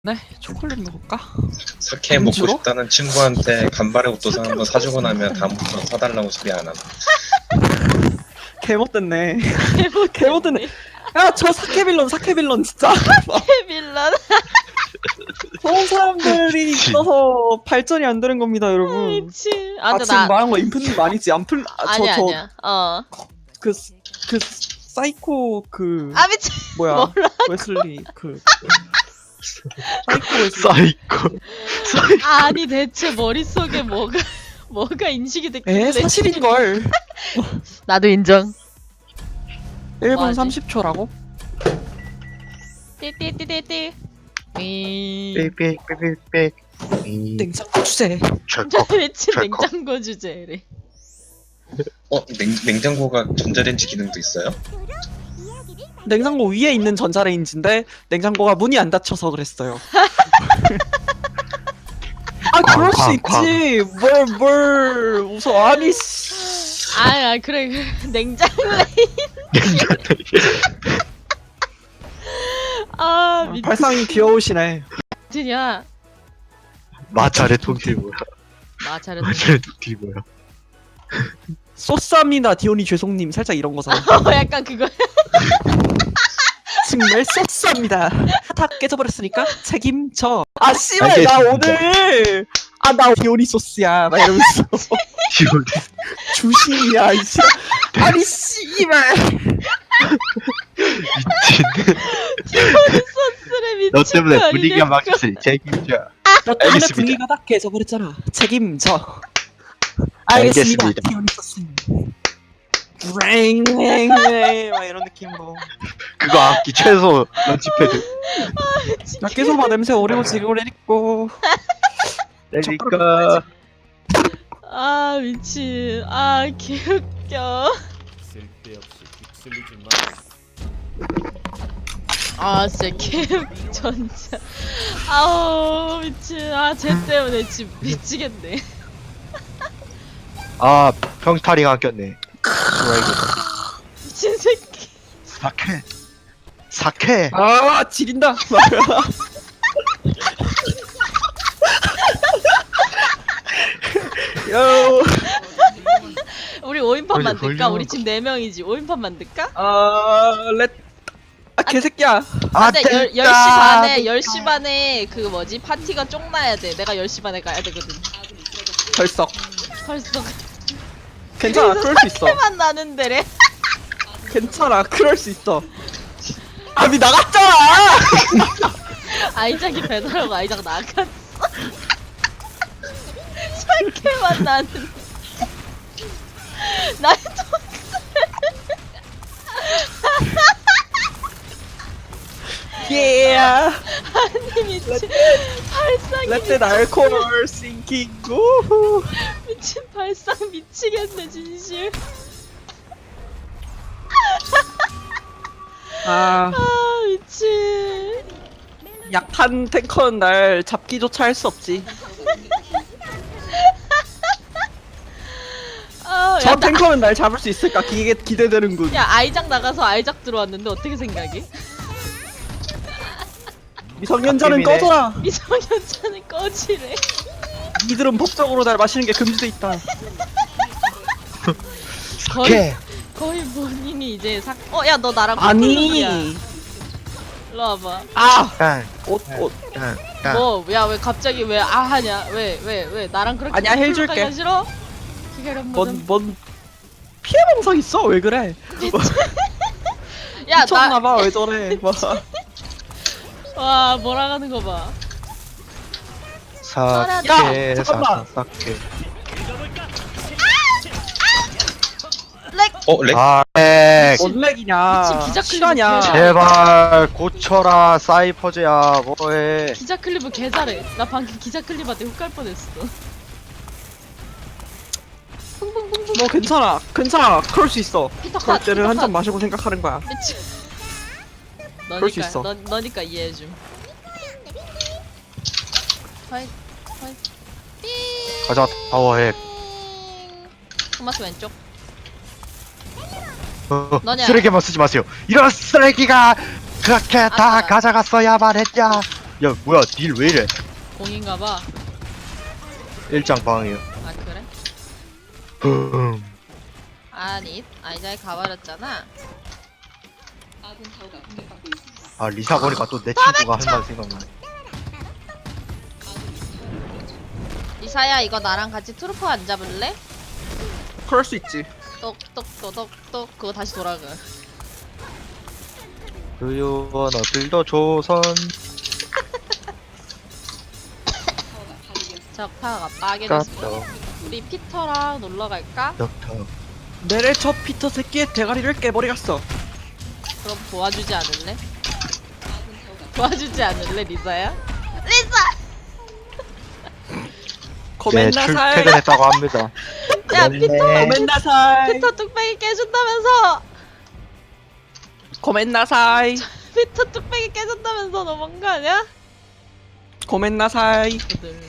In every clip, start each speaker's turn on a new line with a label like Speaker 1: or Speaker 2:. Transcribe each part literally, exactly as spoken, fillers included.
Speaker 1: 네, 초콜릿 먹을까?
Speaker 2: 사케 먹고
Speaker 1: 안주로?
Speaker 2: 싶다는 친구한테 간발의 옷도상 한번 사주고 나면 다음부터 사달라고 소리 안 함.
Speaker 1: 개못됐네.
Speaker 3: 개못
Speaker 1: 개못됐네. 야, 저 사케빌런, 사케빌런 진짜.
Speaker 3: 빌런.
Speaker 1: 좋은 사람들이 있어서 발전이 안 되는 겁니다, 여러분.
Speaker 3: 미친.
Speaker 1: 아,
Speaker 3: 아, 근데
Speaker 1: 지금
Speaker 3: 나
Speaker 1: 말한 거 인프님 아니지? 안 풀, 아, 저,
Speaker 3: 아니야
Speaker 1: 저,
Speaker 3: 아니야. 어.
Speaker 1: 그, 그, 사이코, 그,
Speaker 3: 아 미친.
Speaker 1: 뭐야,
Speaker 3: 뭐라?
Speaker 1: 웨슬리, 그, 사이코 웨슬리.
Speaker 4: 사이코. 사이코.
Speaker 3: 아니 대체 머릿속에 뭐가 뭐가 인식이 됐길래?
Speaker 1: 에, 사실인걸.
Speaker 3: 나도 인정.
Speaker 1: 일 분
Speaker 3: 뭐하지?
Speaker 1: 삼십 초라고?
Speaker 3: 띠띠띠띠띠. 이.
Speaker 4: 빽빽빽빽.
Speaker 1: 냉장고 주제.
Speaker 4: 철컥.
Speaker 3: 미친
Speaker 4: 철컥.
Speaker 3: 냉장고 주제래.
Speaker 2: 어? 냉, 냉장고가 전자레인지 기능도 있어요?
Speaker 1: 냉장고 위에 있는 전자레인지인데 냉장고가 문이 안 닫혀서 그랬어요. 아 그럴 수
Speaker 4: 쾅, 쾅,
Speaker 1: 있지. 뭘 뭘 웃어. 아니 씨.
Speaker 3: 아, 아 그래 그래. 냉장레인. 아 미친.
Speaker 1: 발상이 귀여우시네.
Speaker 3: 미친이야.
Speaker 4: 마찰의 통틀이 뭐야?
Speaker 3: 아 잘했어.
Speaker 4: 마찰의 통틀이 뭐야?
Speaker 1: 쏘쌈이나 디오니 죄송님 살짝 이런 거잖아.
Speaker 3: 어 약간 그거.
Speaker 1: 정말 쏘쌈이다. 다 깨져버렸으니까 책임져. 아 씨발 나
Speaker 4: 알겠습니다.
Speaker 1: 오늘 아 나 디오니 소스야. 막 이러면서
Speaker 4: 지금
Speaker 1: 주신이야 이 씨. 아니 씨발.
Speaker 4: 미친.
Speaker 3: 소스를 미친
Speaker 4: 너 때문에
Speaker 3: 거
Speaker 4: 분위기가
Speaker 3: 아니냐,
Speaker 4: 막혔으니 책임져.
Speaker 1: 너 때문에
Speaker 4: 알겠습니다.
Speaker 1: 분위기가 다 깨져버렸잖아. 책임져. 알겠습니다.
Speaker 4: 알겠습니다.
Speaker 1: 디오니 소스. 랭랭랭 막 이런 느낌으로.
Speaker 4: 그거 악기 최소 런치패드.
Speaker 1: 나 계속 냄새 오래고 지금 오래있고.
Speaker 4: 그러니까
Speaker 3: 아 미친. 아 개웃겨.
Speaker 5: 쓸데없이 휩쓸리지 마.
Speaker 3: 아 진짜 개웃 전자. 아우 미친. 아쟤 때문에 지금 미치겠네.
Speaker 4: 아 평타링 안 꼈네. 뭐야 이거?
Speaker 3: 미친 새끼.
Speaker 4: 사케. 사케.
Speaker 1: 아 지린다. 요.
Speaker 3: 우리 오인판
Speaker 4: 원래
Speaker 3: 만들까?
Speaker 4: 걸리는
Speaker 3: 우리
Speaker 4: 거.
Speaker 3: 지금 네 명이지. 오인판 만들까?
Speaker 1: 아 렛. 아 개새끼야.
Speaker 3: 아, 근데 열, 열 시 반에
Speaker 1: 됐다.
Speaker 3: 열 시 반에 그 뭐지 파티가 쫑 나야 돼. 내가 열 시 반에 가야 되거든.
Speaker 1: 결석.
Speaker 3: 벌써
Speaker 1: 괜찮아. 그럴 수 있어.
Speaker 3: 해만 나는데래.
Speaker 1: 괜찮아. 그럴 수 있어. 아미 나갔잖아.
Speaker 3: 아이작이 배달하고 아이작 나갔어. 설계만 나는. 나의
Speaker 1: 예.
Speaker 3: 아니 미친 발상이
Speaker 1: Let the alcohol sinking. 우후.
Speaker 3: 미친 발상 미치겠네 진실.
Speaker 1: 아
Speaker 3: 아 미친.
Speaker 1: 약한 탱커는 날 잡기조차 할 수 없지.
Speaker 3: 아,
Speaker 1: 저
Speaker 3: 야, 나,
Speaker 1: 탱커는 날 잡을 수 있을까? 기계 기대되는군.
Speaker 3: 야 아이작 나가서 아이작 들어왔는데 어떻게 생각해?
Speaker 1: 미성년자는
Speaker 4: 갓겜이네.
Speaker 1: 꺼져라.
Speaker 3: 미성년자는 꺼지래.
Speaker 1: 이들은 법적으로 날 마시는 게 금지돼 있다.
Speaker 3: 거의
Speaker 4: 사케.
Speaker 3: 거의 본인이 이제 사. 어 야 너 나랑
Speaker 1: 아니.
Speaker 3: 커플룩이야. 일로 와봐.
Speaker 1: 아.
Speaker 4: 깐.
Speaker 1: 옷 옷.
Speaker 4: 깐. 깐.
Speaker 3: 뭐 야 왜 갑자기 왜 아 하냐? 왜 왜 왜 나랑 그렇게
Speaker 1: 아니야,
Speaker 3: 커플룩
Speaker 1: 해줄게.
Speaker 3: 하기가 싫어? 기다려보자.
Speaker 1: 뭔뭔 피해 방상 있어? 왜 그래?
Speaker 3: 야 나.
Speaker 1: 미쳤나봐. 왜 저래? 뭐.
Speaker 3: 와 몰아가는 거 봐.
Speaker 4: 사케.
Speaker 1: 야, 잠깐만.
Speaker 4: 사 사케.
Speaker 3: 렉.
Speaker 2: 어? 렉?
Speaker 4: 아, 렉.
Speaker 1: 뭔 렉이냐?
Speaker 3: 미친 기자 클립
Speaker 1: 실화냐?
Speaker 3: 개잘-
Speaker 4: 제발 고쳐라 사이퍼즈야 뭐해.
Speaker 3: 기자 클립은 개 잘해. 나 방금 기자 클립한테 훅 갈 뻔했어.
Speaker 1: 너 괜찮아. 괜찮아. 그럴 수 있어.
Speaker 3: 피터
Speaker 1: 그럴
Speaker 3: 컷.
Speaker 1: 때는
Speaker 3: 피터
Speaker 1: 한 잔
Speaker 3: 컷.
Speaker 1: 마시고 생각하는 거야.
Speaker 3: 미친.
Speaker 1: 그럴 수
Speaker 3: 너니까
Speaker 1: 있어.
Speaker 3: 너, 너니까 이해해줌. 화이 화이.
Speaker 4: 가자 파워해.
Speaker 3: 토마스 왼쪽.
Speaker 4: 어,
Speaker 3: 너냐?
Speaker 4: 쓰레기만 쓰지 마세요. 이런 쓰레기가 그렇게 다
Speaker 3: 아싸.
Speaker 4: 가져갔어야만 했냐. 야 뭐야 딜 왜 이래?
Speaker 3: 공인가봐.
Speaker 4: 일장 방이요.
Speaker 3: 아 그래?
Speaker 4: 붐.
Speaker 3: 아니 아이자이 가버렸잖아.
Speaker 4: 아 리사 보니까 또 내 친구가 할 말 생각나네.
Speaker 3: 이사야 이거 나랑 같이 트루퍼 안 잡을래?
Speaker 1: 그럴 수 있지.
Speaker 3: 똑똑똑똑똑 그거 다시 돌아가.
Speaker 4: 유유원 어딜더 조선.
Speaker 3: 적파가 빠개졌어.
Speaker 4: 깎여.
Speaker 3: 우리 피터랑 놀러 갈까?
Speaker 4: 덕터.
Speaker 1: 내래 저 피터 새끼의 대가리를 깨버리겠어.
Speaker 3: 그럼 도와주지 않을래? 도와주지 않을래 리사야? 리사!
Speaker 4: 네
Speaker 1: 고멘나살.
Speaker 4: 출퇴근했다고 합니다.
Speaker 3: 야 피터!
Speaker 1: 고멘나살.
Speaker 3: 피터 뚝배기 깨준다면서!
Speaker 1: 고멘나살.
Speaker 3: 피터 뚝배기 깨준다면서 너무한 거 아니야?
Speaker 1: 고멘나살.
Speaker 3: 그들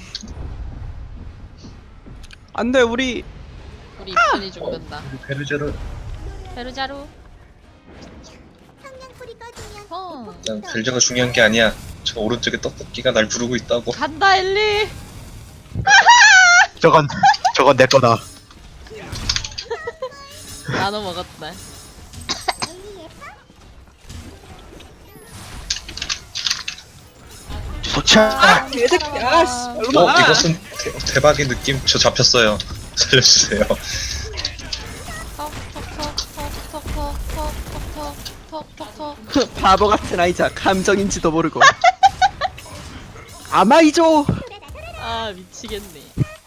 Speaker 1: 안돼 우리
Speaker 3: 우리 입순이 죽는다.
Speaker 2: 우리 베르제르
Speaker 3: 페르자루 어
Speaker 2: 난 베르제가 중요한 게 아니야. 저 오른쪽에 떡볶이가 날 부르고 있다고.
Speaker 3: 간다 엘리.
Speaker 4: 저건 저건 내 거다.
Speaker 3: 나눠 먹었다.
Speaker 4: 도착.
Speaker 1: 개새끼야. 씨, 일로
Speaker 2: 어
Speaker 1: 와.
Speaker 2: 이것은 대, 대박의 느낌. 저 잡혔어요. 살려주세요.
Speaker 3: 톡톡톡톡톡톡톡톡톡톡톡
Speaker 1: 바보 같은 아이자 감정인지도 모르고. 아마이죠.
Speaker 3: 아 미치겠네.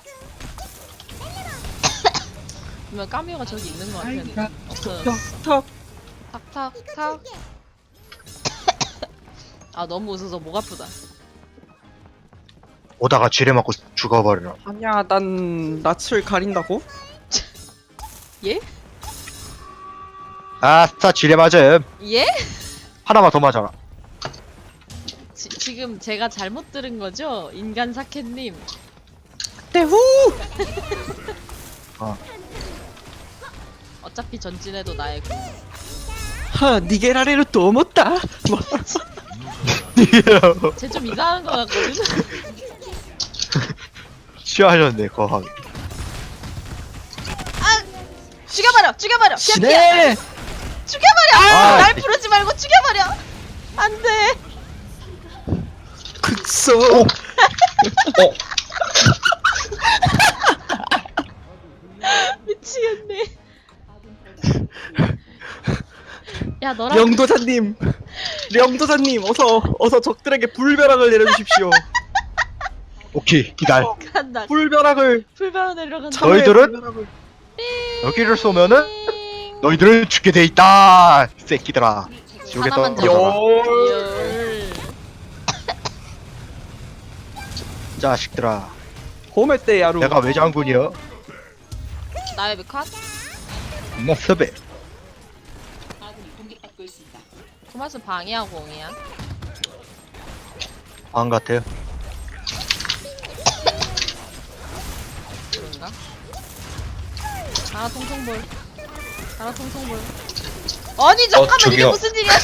Speaker 3: 분명 까미오가 저기 있는 거 같았는데 없어졌어.
Speaker 1: 턱.
Speaker 3: 탁탁탁. 아 너무 웃어서 목 아프다.
Speaker 4: 오다가 지뢰 맞고 죽어버려.
Speaker 1: 아니야 난 낯을 가린다고?
Speaker 3: 예?
Speaker 4: 아싸 지뢰 맞음.
Speaker 3: 예?
Speaker 4: 하나만 더 맞아라.
Speaker 3: 지, 지금 제가 잘못 들은 거죠? 인간 사케님.
Speaker 1: 대후.
Speaker 4: 어.
Speaker 3: 어차피 전진해도 나의 구.
Speaker 1: 하 니게라레를 또 못다. 뭐.
Speaker 3: 쟤 좀 이상한 거 같거든?
Speaker 4: 취하셨네 거학.
Speaker 3: 죽여버려! 죽여버려! 피야, 피야!
Speaker 1: 시네.
Speaker 3: 죽여버려!
Speaker 4: 아,
Speaker 3: 날
Speaker 4: 이-
Speaker 3: 부르지 말고 죽여버려! 안 돼!
Speaker 1: 극소.
Speaker 2: 어
Speaker 3: 미치겠네. 야, 너랑
Speaker 1: 명도사님. 명도사님 어서 어서 적들에게 불벼락을 내려주십시오.
Speaker 4: 오케이 기다려.
Speaker 3: 간다.
Speaker 1: 불벼락을.
Speaker 3: 불바로 내려간다.
Speaker 1: 참외
Speaker 4: 너희들은?
Speaker 1: 불벼락을.
Speaker 4: 여기를 쏘면은
Speaker 3: 띵.
Speaker 4: 너희들은 죽게 돼 있다. 이 새끼들아. 지옥에
Speaker 3: 하나만
Speaker 4: 떨어져라.
Speaker 1: 열.
Speaker 3: 열.
Speaker 4: 자식들아.
Speaker 1: 호메떼 야루.
Speaker 4: 내가 왜 장군이야?
Speaker 3: 나의 컷?
Speaker 4: 머스베.
Speaker 3: 토마스 방이야 공이야?
Speaker 4: 안 같아요.
Speaker 3: 그런가? 가라 통통볼. 가라 통통볼. 아니 잠깐만 이게
Speaker 2: 저기요.
Speaker 3: 무슨 일이야?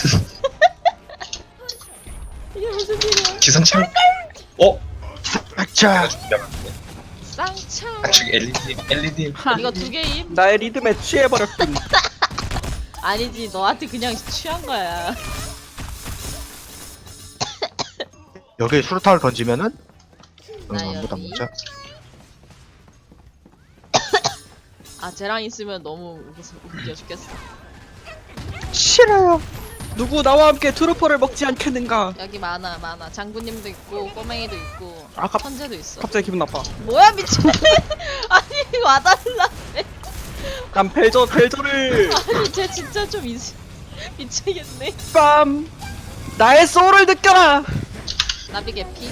Speaker 3: 이게 무슨 일이야?
Speaker 2: 기상청. 어?
Speaker 4: 자.
Speaker 3: 쌍창.
Speaker 2: 아 저기 엘리님 엘리님.
Speaker 3: 이거 두 개임?
Speaker 1: 나의 리듬에 취해버렸군.
Speaker 3: 아니지 너한테 그냥 취한 거야.
Speaker 4: 여기에 수류탄을 던지면은 응,
Speaker 3: 나
Speaker 4: 아무도 안
Speaker 3: 여기.
Speaker 4: 맞아.
Speaker 3: 아 쟤랑 있으면 너무 웃겨, 웃겨 죽겠어.
Speaker 4: 싫어요.
Speaker 1: 누구 나와 함께 트루퍼를 먹지 않겠는가?
Speaker 3: 여기 많아 많아. 장군님도 있고 꼬맹이도 있고
Speaker 1: 아, 갑-
Speaker 3: 천재도 있어.
Speaker 1: 갑자기 기분 나빠.
Speaker 3: 뭐야 미친. 아니 와달라.
Speaker 1: 난 벨저 벨저를
Speaker 3: 아니 쟤 진짜 좀 미, 미치겠네.
Speaker 1: 빰. 나의 소울을 느껴라.
Speaker 3: 나비 개피.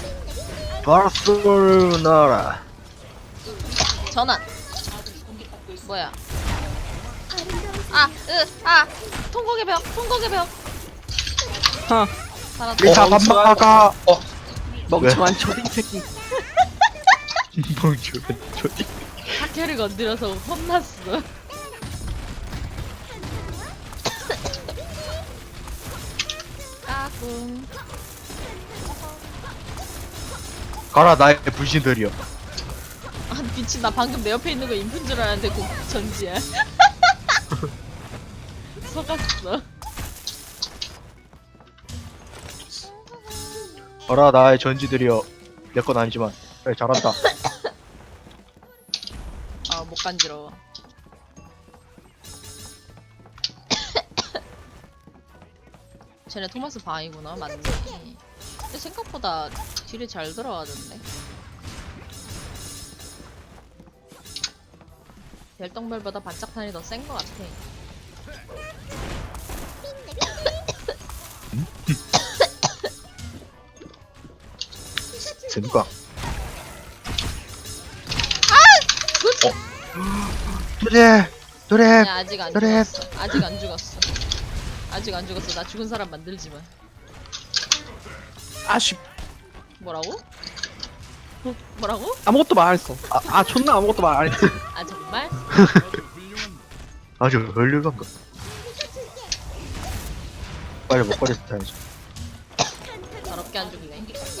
Speaker 4: 바르셀로나라.
Speaker 3: 전환. 뭐야? 아, 으, 아, 통곡의 벽, 통곡의 벽.
Speaker 1: 하.
Speaker 3: 살았다.
Speaker 4: 리사
Speaker 2: 어,
Speaker 4: 밥 먹어가.
Speaker 1: 멍청한 초딩 새끼.
Speaker 4: 멍청한 저기.
Speaker 3: 학교를 건드려서 혼났어. 까꿍.
Speaker 4: 가라 나의 분신들이여.
Speaker 3: 아 미친, 나 방금 내 옆에 있는 거 인푼 줄 알았는데 그 전지야. 속았어.
Speaker 4: 가라 나의 전지들이여. 내 건 아니지만 그래 잘한다.
Speaker 3: 아 못 간지러워. 쟤네 토마스 방이구나. 맞네. 근데 생각보다 딜이 잘 들어가던데. 별똥별보다 반짝탄이 더 센 것 같아.
Speaker 4: 젠가. 노래 노래.
Speaker 3: 아니야, 아직 안
Speaker 4: 그래.
Speaker 3: 죽었어. 아직 안 죽었어. 아직 안 죽었어. 나 죽은 사람 만들지 마.
Speaker 1: 아쉽.
Speaker 3: 뭐라고? 어, 뭐라고?
Speaker 1: 아무것도 말 안 했어. 아, 아 존나 아무것도 말 안 했지.
Speaker 3: 아 정말?
Speaker 4: 아주 훌륭한 거. 빨리 먹거리 타야지.
Speaker 3: 더럽게 안 죽네.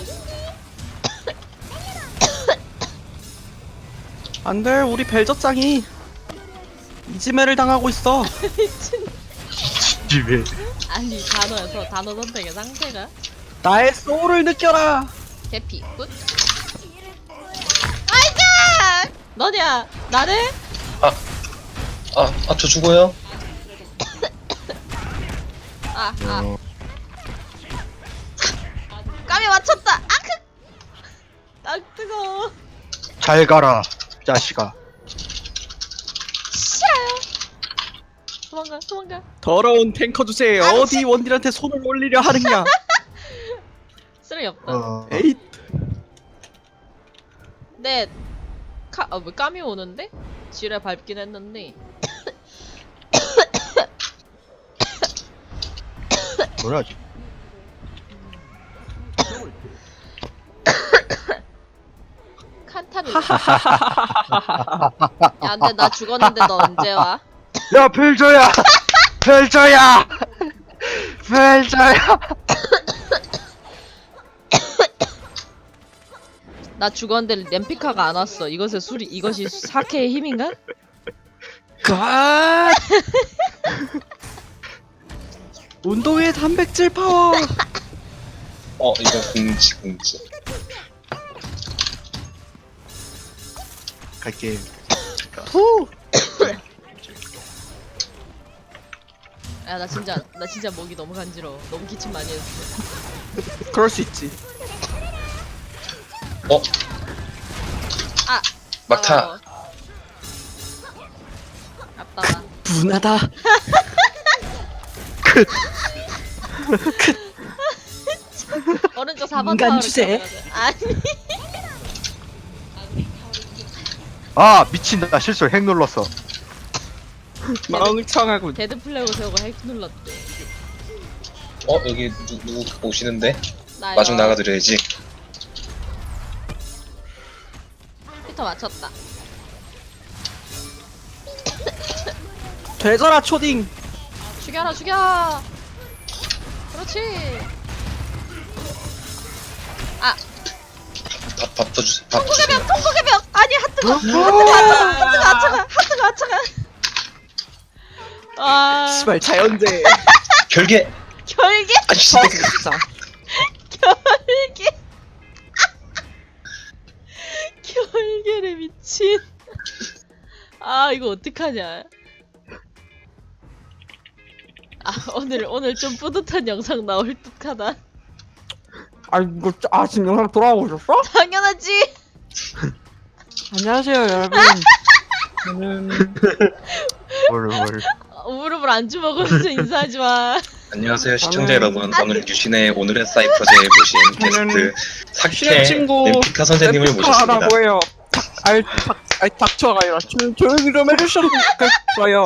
Speaker 1: 안돼, 우리 벨저짱이 이지매를 당하고 있어.
Speaker 3: 미친.
Speaker 4: 집에.
Speaker 3: 아니 단어에서 단어 선택의 상태가
Speaker 1: 나의 소울을 느껴라.
Speaker 3: 개피 굿. 아이가 너냐 나네?
Speaker 2: 아, 아, 저 죽어요?
Speaker 3: 아아
Speaker 4: 어,
Speaker 3: 까미 맞췄다. 아크. 딱 뜨거.
Speaker 4: 잘 가라 자식아.
Speaker 3: 싫어요. 도망가 도망가.
Speaker 1: 더러운 탱커 주제에
Speaker 3: 아,
Speaker 1: 어디 원딜한테 손을 올리려 하느냐.
Speaker 3: 쓰레기 없다.
Speaker 4: 어.
Speaker 1: 에잇.
Speaker 3: 네. 카, 아, 왜 까미 오는데? 지뢰 밟긴 했는데.
Speaker 4: 뭐라지?
Speaker 3: 칸타는. 야, 근데 나 죽었는데 너 언제 와?
Speaker 4: 야 펠저야. 펠저야. 펠저야.
Speaker 3: 나 죽었는데 램피카가 안 왔어. 이것의 수리, 이것이 사케의 힘인가?
Speaker 1: 갓. 운동의 단백질 파워.
Speaker 2: 어, 이거 공지, 공지.
Speaker 4: 갈게.
Speaker 1: 후.
Speaker 3: 야, 나 진짜, 나 진짜 목이 너무 간지러워. 너무 기침 많이 했어.
Speaker 1: 그럴 수 있지.
Speaker 2: 어,
Speaker 3: 아!
Speaker 2: 막타.
Speaker 3: 어. 아빠가.
Speaker 1: 분하다.
Speaker 3: 오른쪽 사 번
Speaker 1: 인간
Speaker 3: 타워를
Speaker 1: 주제.
Speaker 3: 가져가자. 아니.
Speaker 4: 아 미친 나 실수 핵 눌렀어.
Speaker 1: 멍청하군.
Speaker 3: 데드 플래그 세우고 핵 눌렀대.
Speaker 2: 어, 여기 누, 누구 오시는데?
Speaker 3: 나요.
Speaker 2: 마중 나가드려야지.
Speaker 3: 피터 맞췄다.
Speaker 1: 되져라 초딩.
Speaker 3: 죽여라, 죽여! 그렇지! 아!
Speaker 2: 밥, 밥 더 주세요. 밥 주세요.
Speaker 3: 통곡의 벽! 통곡의 벽! 아니, 하트가! 하트가! 하트가! 하트가! 하트가! 하트가! 아...
Speaker 1: 씨발 자연재.
Speaker 2: 결계!
Speaker 3: 결계!
Speaker 2: 아, 씨.
Speaker 1: 아, 진짜.
Speaker 3: 결계! 결계를 미친. 아, 이거 어떡하냐. 아, 오늘, 오늘 좀 뿌듯한 영상 나올 듯하다.
Speaker 1: 아 이거 아 지금 영상 돌아오고 있었어?
Speaker 3: 당연하지!
Speaker 1: 안녕하세요 여러분. 저는
Speaker 4: 뭘 뭘.
Speaker 3: 어, 무릎을 안 주먹으면서 인사하지 마.
Speaker 2: 안녕하세요, 시청자
Speaker 1: 저는-
Speaker 2: 여러분. 오늘 유신의 오늘의 사이퍼제에 모신
Speaker 1: 저는
Speaker 2: 게스트
Speaker 1: 신의
Speaker 2: 사케
Speaker 1: 친구
Speaker 2: 램피카 선생님을 모셨습니다.
Speaker 1: 하라고 해요. 아이 닥 아이 닥쳐가 아니라 조, 조용히 좀 해주셔도 좋겠어요.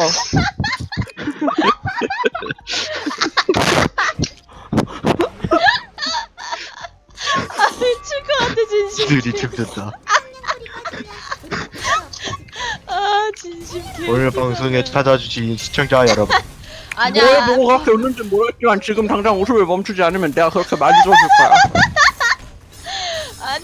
Speaker 3: 아, 미칠 것 같아, 진심.
Speaker 4: 들이 춤췄다.
Speaker 3: 아, 진심 개.
Speaker 4: 오늘 방송에 찾아주신 시청자 여러분.
Speaker 1: 뭘
Speaker 3: 아니야.
Speaker 1: 보고 그렇게 웃는지 모르겠지만 지금 당장 웃음을 멈추지 않으면 내가 그렇게 많이 들어줄 거야.
Speaker 3: 아니야.